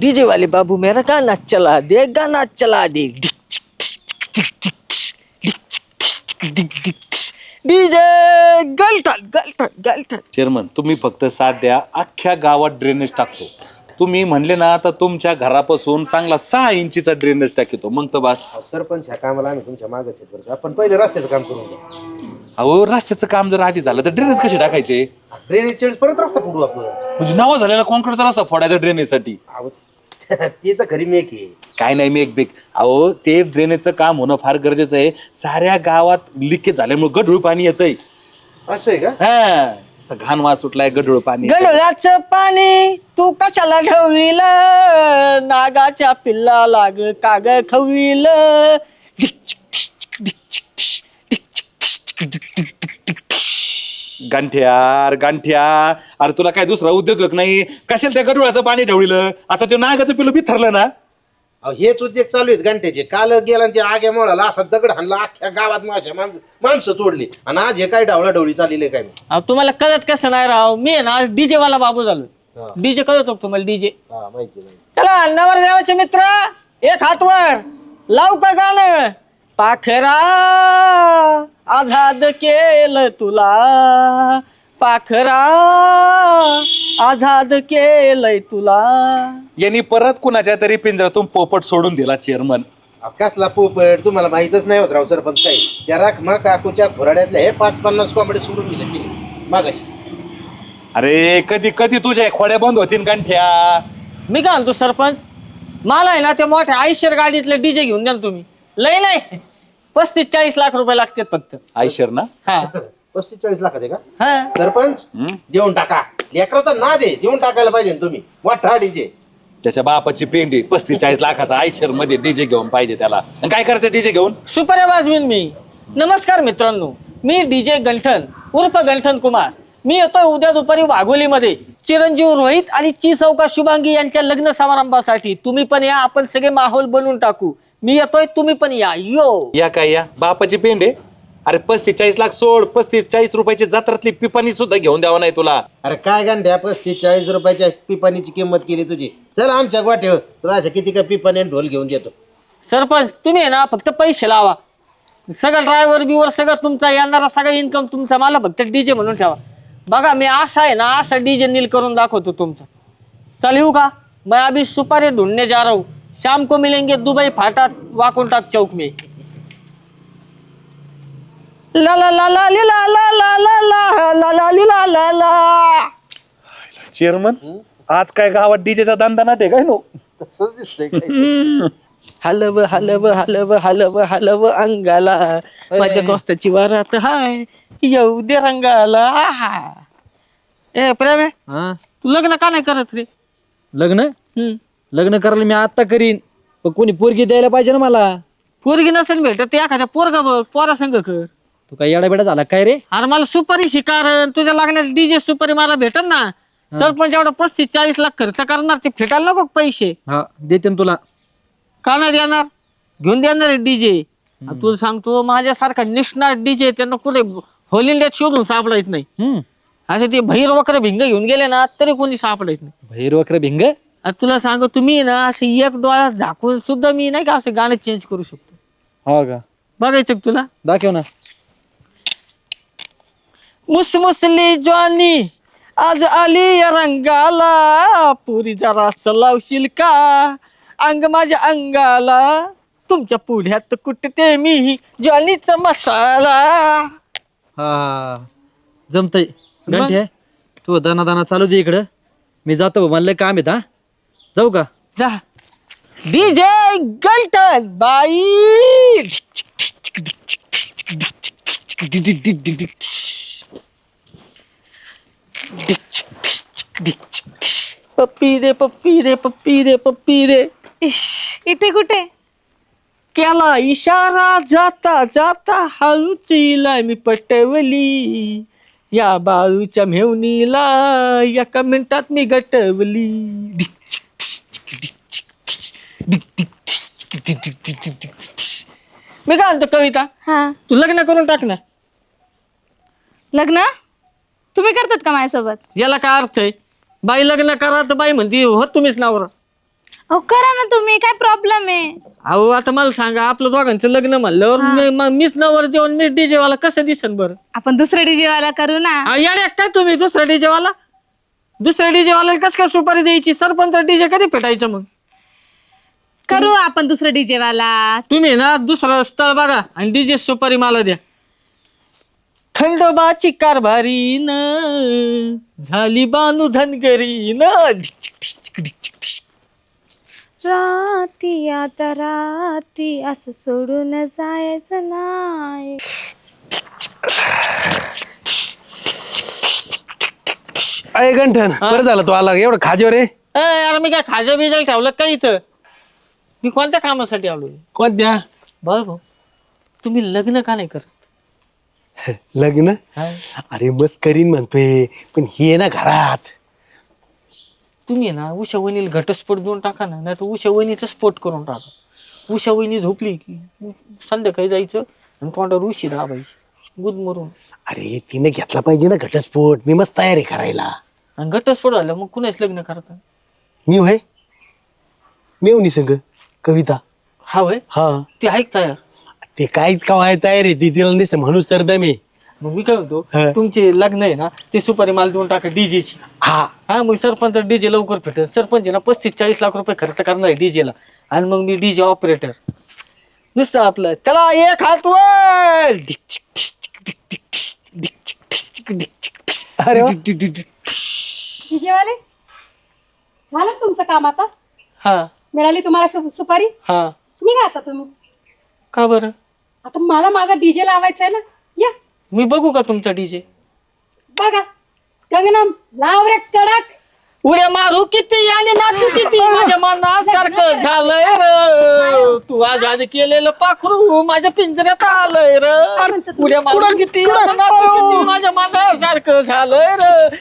DJ वाले बाबू मेरा गाना चला दे, गाना चला दे. डीजे गलठण गलठण गलठण. चेअरमन तुम्ही फक्त साथ द्या, अख्ख्या गावात ड्रेनेज टाकतो. तुम्ही म्हणले ना तर तुमच्या घरापासून चांगला 6 इंचीचा ड्रेनेज टाकतो, मग तर बस. सरपंच ह्या कामाला आम्ही तुमच्या मागच आहेत बरं का. आपण पहिले रस्त्याचं काम करून घ्या. अहो रस्त्याचं काम जर आधी झालं तर ड्रेनेज कसे टाकायचे? ड्रेनेज चेळीस परत रस्ता पुढू आपण. म्हणजे नावा झालेला कॉन्क्रीटचा रस्ता फोडायचा ड्रेनेजसाठी. अहो, ते तर खरी मेक आहे. काय नाही मी एक बेक. अहो ते ड्रेनेजचं काम होणं फार गरजेचं आहे. साऱ्या गावात लिकेज झाल्यामुळे गढूळ पाणी येतंय. असं आहे का? हा असं घाण वास सुटलाय, गढूळ पाणी. गडोळ्याचं पाणी तू कशाला ढवळील, नागाच्या पिल्ला लाग काग खवील. गांठ्या अरे तुला काय दुसरा उद्योग नाही? कशाला त्या गढुळाचं पाणी ढवळीलं? आता ते नागाचं पिलू बी ठरलं ना. अहो, हेच उद्योग चालू आहेत घंट्याचे. काल गेला आणि ते आग्या मोळाला असा दगड हाणला, अख्ख्या गावात माणसं तोडली. आणि आज हे काय ढवळा ढवळी चाललेली काय? अहो, तुम्हाला कळत कसं नाही राव, मी आहे ना डीजे वाला बाबू झालो. डीजे कळत हो तुम्हाला? डीजे माहिती नाही. चला नवरदेवाचे मित्र एक हातवर लाव का गाणं. पाखरा आझाद केलं तुला, पाखरा आझाद केलंय तुला. यांनी परत कुणाच्या तरी पिंजऱ्यातून पोपट सोडून दिला चेअरमन. अहो, कसला पोपट तुम्हाला माहितच नाही होत राव सरपंच. काय त्या राखमा काकूच्या घोराड्यातल्या हे 5-50 कोंबडे सोडून दिले तिने मागाशी. अरे कधी कधी तुझ्या खोड्या बंद होतील गांठ्या. मी काय म्हणतो सरपंच, मला आहे ना त्या मोठ्या आयशर गाडीतले डीजे घेऊन द्या ना तुम्ही. लय नाही 35-40 लाख रुपये लागतात फक्त. आयशर ना? हा 35-40 लाखात आहे का हा. सरपंच? देऊन टाका. लेकराचा नाद आहे, देऊन टाकायला पाहिजे ना तुम्ही. मोठा डीजे. त्याच्या बापाची पेंडी 35-40 लाखाचा आयशर मध्ये डीजे घेऊन पाहिजे त्याला. आणि काय करते डीजे घेऊन? सुपर वाजवीन मी. नमस्कार मित्रांनो, मी डीजे गंठन उर्फ गंठन कुमार. मी येतोय उद्या दुपारी वाघोलीमध्ये चिरंजीव रोहित आणि चौका शुभांगी यांच्या लग्न समारंभासाठी. तुम्ही पण या, आपण सगळे माहोल बनवून टाकू. मी येतोय, तुम्ही पण या. यो या काय या बापाची पेंडे. अरे 35-40 लाख सोड, 35-40 रुपयाची जत्रातली पिपाणी सुद्धा घेऊन द्यावं नाही तुला. अरे काय गांड्या 35-40 रुपयाच्या पिपाणीची किंमत केली तुझी. चल आमच्या गोठ्यावर तुला अशा किती का पिपाणी आणि ढोल घेऊन देतो. सरपंच तुम्ही आहे ना फक्त पैसे लावा. सगळं ड्रायव्हर बिवर सगळं तुमचा, येणारा सगळा इन्कम तुमचा. मला फक्त डीजे म्हणून ठेवा. बघा मी असा आहे ना, असा डीजे नील करून दाखवतो तुमचा. चल येऊ का? मैं अभी सुपारी ढूंढने जा रहा हूँ. शाम को मिलेंगे दुबई फाटा वाकुंटाक चौक में. ला ला ला ला ला ला ला ला ला ला ला ला ला ला. चेअरमन आज काय गावात डीजेचा दांदा नाटे काय नो? तसंच दिसतंय. हलव हलव हलव हलव हलव अंगाला, माझ्या दोस्ताची वरात हाय येऊ दे रंगाला. आहा. ए प्रेम आहे, तू लग्न का नाही करत रे? लग्न लग्न करायला मी आता करीन, पण कोणी पोरगी द्यायला पाहिजे ना मला. पोरगी नसेल भेटत ते एखाद्या पोरगा बघ, पोरा संग कर. तू काय येडा बेडा झाला काय रे? अरे मला सुपारी शिकार, तुझ्या लागण्यात डीजे सुपारी मला भेटत ना. सरपंच एवढं 35-40 लाख खर्च करणार, ते फिटायला नको पैसे. हा देते ना तुला. का नाही देणार? घेऊन देणार डीजे. तुला सांगतो माझ्यासारखा निष्णात डीजे त्यांना कुठे होल इंडियात शोधून सापडायच नाही. असं ते भैर वक्र भिंग घेऊन गेले ना तरी कोणी सापडायच नाही. भैर वक्र भिंग? तुला सांगतो तुम्ही ना असं एक डोळा झाकून सुद्धा मी नाही का असं गाणं चेंज करू शकतो. हो का? बघायचं का तुला? दाखव ना. मुसमुसली ज्वानी आज आली या रंगाला, पुरी जरा लावशील का अंग माझ्या अंगाला, तुमच्या पुढ्यात कुठते मी ज्वानीचा मसाला. हा जमतय. गंठे तू दाना दाना चालू दे इकडं, मी जातो. मला लय काम आहेत. हा जाऊ का? जा. डीजे गंठन बाई. पप्पी दे पप्पी दे पप्पी दे पप्पी दे. इश, इथे कुठे? केला इशारा जाता जाता हळूचीला मी पटवली, या बाळूच्या मेवणीला एका मिनिटात मी गटवली. मी काय म्हणतो कविता, हा तू लग्न करून टाक ना. लग्न तुम्ही करतात का माझ्यासोबत? याला काय अर्थ आहे? बाई लग्न करा तर बाई म्हणते हो तुम्हीच नवरा. अहो करा ना तुम्ही, काय प्रॉब्लेम आहे? अहो आता मला सांगा, आपलं दोघांचं लग्न म्हणल्यावर मीच नवर जेवण मी डीजे वाला कसं दिसन बरं? आपण दुसरा डीजे वाला करू ना. येड्या काय तुम्ही दुसरा डीजे वाला? दुसऱ्या डीजे वाल्याला कसं काय सुपारी द्यायची? सरपंच डीजे कधी पेटायचं मग? करू आपण दुसरा डीजे वाला. तुम्ही ना दुसरं स्थळ बघा आणि डीजे सुपारी मला द्या. खंडोबाची कारभारी न झाली बानू धनगरी न. राती आता राती असं सोडून जायचं नाही. अय गंठन बरं झालं तू आला एवढं खाजेवर रे. यार मी काय खाजा बिजाला ठेवलं का इथं? मी कोणत्या कामासाठी आलो? कोणत्या? बघ भाऊ, तुम्ही लग्न का नाही करत? लग्न? अरे मस्त करीन म्हणतोय, पण ही आहे ना घरात. तुम्ही ना उषा वहिनीला घटस्फोट देऊन टाका ना, नाही तर उषा वहिनीचा स्फोट करून टाका. उषा वहिनी झोपली की संध्याकाळी जायचं आणि तोंडावर उशी दाबायची गुद मरून. अरे तिने घेतला पाहिजे ना घटस्फोट. मी मस्त तयारी करायला. आणि घटस्फोट झाला मग कुणाच लग्न करता? मी होय मेवणी संग कविता. हा वय हा ती ऐक तयार. ते काहीच काय तयार आहे ती, तिला नाही म्हणूच तर दमे. मग मी काय म्हणतो, हा. तुमचे लग्न आहे ना ते सुपारी माल देऊन टाका डीजेची. हा हा मग सरपंच डीजे लवकर भेटेल. सरपंच ना 35-40 लाख रुपये खर्च करणार आहे डीजेला आणि मग मी डीजे ऑपरेटर नुसतं आपलं त्याला एक हात वर. अरे वा. डीजेवाले झालं का तुमचं काम आता? हा मिळाली तुम्हाला सुपारी? हा. निघा आता तुम्ही. का बरं? आता मला माझा डीजे लावायचा आहे ना. या मी बघू का तुमचा डीजे? बघा. गंगनम लाव रे कडक. उड्या मारू किती आणि नाचू किती माझ्या मनासारखं झालंय र. तू आजाद केलेलं पाखरू माझ्या पिंजऱ्यात आलंय र. उड्या मारू किती आणि नाचू किती माझ्या मनासारखं झालंय र.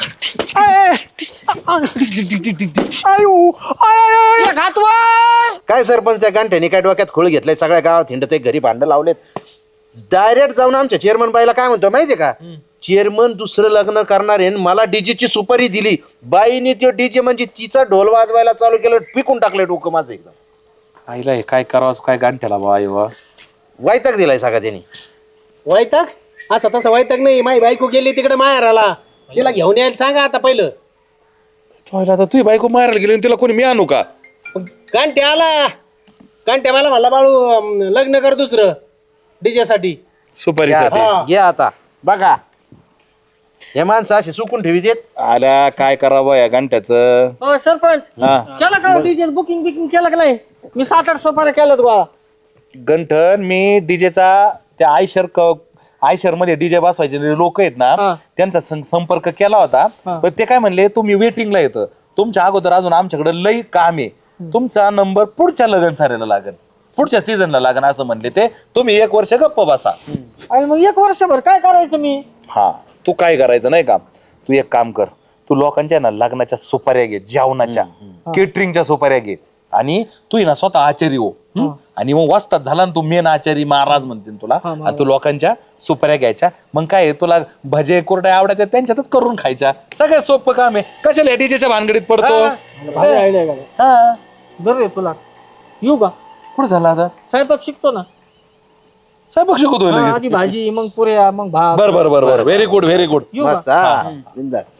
एक हात वर. काय सरपंच त्या गांठ्याने काय डोक्यात खोळ घेतलाय? सगळ्या गावात हिंडत घरी भांडं लावलेत. डायरेक्ट जाऊन आमच्या चेअरमन बाईला काय म्हणतो माहितीये का? चेअरमन दुसरं लग्न करणार आहे, मला डीजेची सुपारी दिली. बाईने तो डीजे म्हणजे तिचा ढोल वाजवायला चालू केलं, पिकून टाकलं डोकं माझं एकदम. आईला हे काय करावं काय गांठ्याला बा आई वा. वैताग दिलाय सगळा त्यांनी. वैताग? असा तसा वैताग नाही. माझी बायको गेली तिकडे माहेराला, तिला घेऊन यायला सांगा आता पहिलं. आता तुझी बायको मारायला गेली आणि तिला कोणी मी आणू का? गांठ्या आला. गांठ्या मला म्हणला बाळू लग्न कर दुसरं डीजे साठी. सुपारीसाठी घ्या आता बघा. हे माणसं असे सुकून ठेवी देत. आला काय करावं या गांठ्याचं? हो सरपंच, हा केलं का डीजे बुकिंग बिकिंग केलं का नाही? मी 7-8 सुपाऱ्या केल्यात गोळा. गंठन मी डीजेचा त्या आयशर मध्ये डीजे बसवायचे लोक आहेत ना हा. त्यांचा संपर्क केला होता. पण ते काय म्हणले तुम्ही वेटिंगला येतं, तुमच्या अगोदर अजून आमच्याकडे लई काम आहे, तुमचा नंबर पुढच्या लगन साऱ्याला लागेल, पुढच्या सीझनला लागेल असं म्हणले ते. तुम्ही 1 वर्ष गप्प बसा. आणि मग 1 वर्षभर काय करायचं मी? हा तू काय करायचं नाही का, तू एक काम कर, तू लोकांच्या ना लग्नाच्या सुपाऱ्या घे, जेवणाच्या केटरिंगच्या सुपाऱ्या घे आणि तू ना स्वतः आचारी हो. आणि मग वाजतात झाला ना तू मेन आचारी महाराज म्हणतील तुला. आणि तू लोकांच्या सुपाऱ्या घ्यायच्या. मग काय तुला भजे कोरड्या आवडत्या त्यांच्यातच करून खायच्या. सगळ्यात सोपं काम आहे. कशाला डीजेच्या भानगडीत पडतो? भारी आयडिया का? बरं आहे तुला. येऊ का? कुठं झाला आता? स्वयंपाक शिकतो ना. स्वयंपाक शिकवतोय लगेच. आधी भाजी मग पुऱ्या मग भात. बर बर बर बर व्हेरी गुड व्हेरी गुड. येऊ का? मस्त हा बिनधास्त.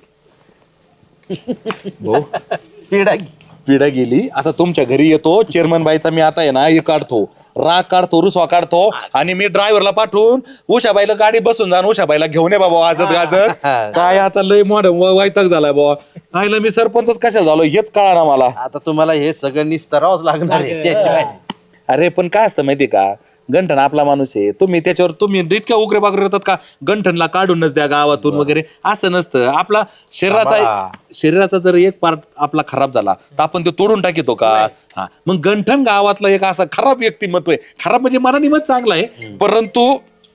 पिढा गेली. आता तुमच्या घरी येतो चेअरमन बाईचा मी आता आहे ना हे काढतो, राग काढतो, रुसवा काढतो आणि मी ड्रायव्हरला पाठवून उषाबाईला गाडी बसून जाण उषाबाईला घेऊन ये बाबा वाजत गाजत. काय आता लय मॉडर्न वैताग झालाय बाबा. आईला मी सरपंचच कशाला झालो हेच कळा ना मला. आता तुम्हाला हे सगळं निस्तरावंच लागणार आहे त्याशिवाय. अरे पण काय असतं माहितीये का, गंठन आपला माणूस आहे. तुम्ही त्याच्यावर तुम्ही इतक्या उग्रे बागरे होतात का गंठनला काढूनच द्या गावातून वगैरे असं नसतं. आपला शरीराचा जर एक पार्ट आपला खराब झाला तर आपण तो तोडून टाकितो का? हा मग गंठन गावातला एक असा खराब व्यक्तिमत्व आहे. खराब म्हणजे मनाने मत चांगला आहे, परंतु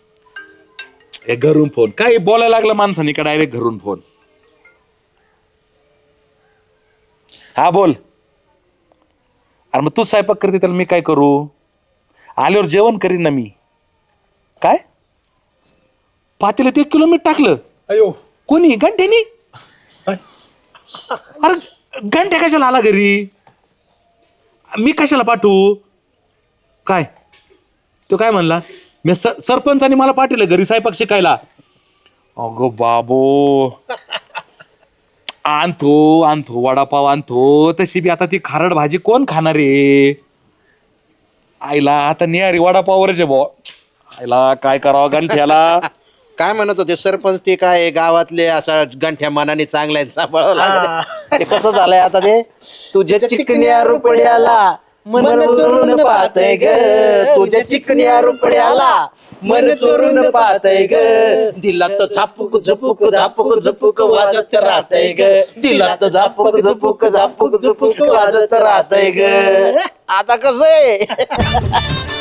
घरून फोन काय बोलायला लागलं माणसाने का डायरेक्ट घरून फोन. हा बोल. अरे मग तू स्वयंपाक करते त्याला मी काय करू? आल्यावर जेवण करीन ना मी. काय पातेल्यात 1 किलो मीठ टाकलं? अयो कोणी? घंट्यानी? अरे घंट्या कशाला आला घरी? मी कशाला पाठवू? काय तो काय म्हणला? मी सरपंचाने मला पाठवलं घरी स्वयंपाक शिकायला. अगो बाबो, आणतो वडापाव आणतो. तशी बी आता ती खारड भाजी कोण खाणार आहे? आईला आता निहारी वडापाववरचे भाऊ. आईला काय करावं गंठ्याला. काय म्हणत होते सरपंच? ते काय गावातले असा गंठ्या मनाने चांगल्या सांभाळावं लागलं. ते कसं झालंय आता ते? तुझ्या चिकन्या रुपड्याला मन चोरून पाहतय ग, तुझ्या चिकन्या रुपड्याला मन चोरून पाहतय ग, दिला तो झापूक झुपूक झापूक झुपूक वाजत राहतय ग, दिला तो झापूक झुपूक झापूक झुपूक वाजत राहतय ग. आता कसं आहे?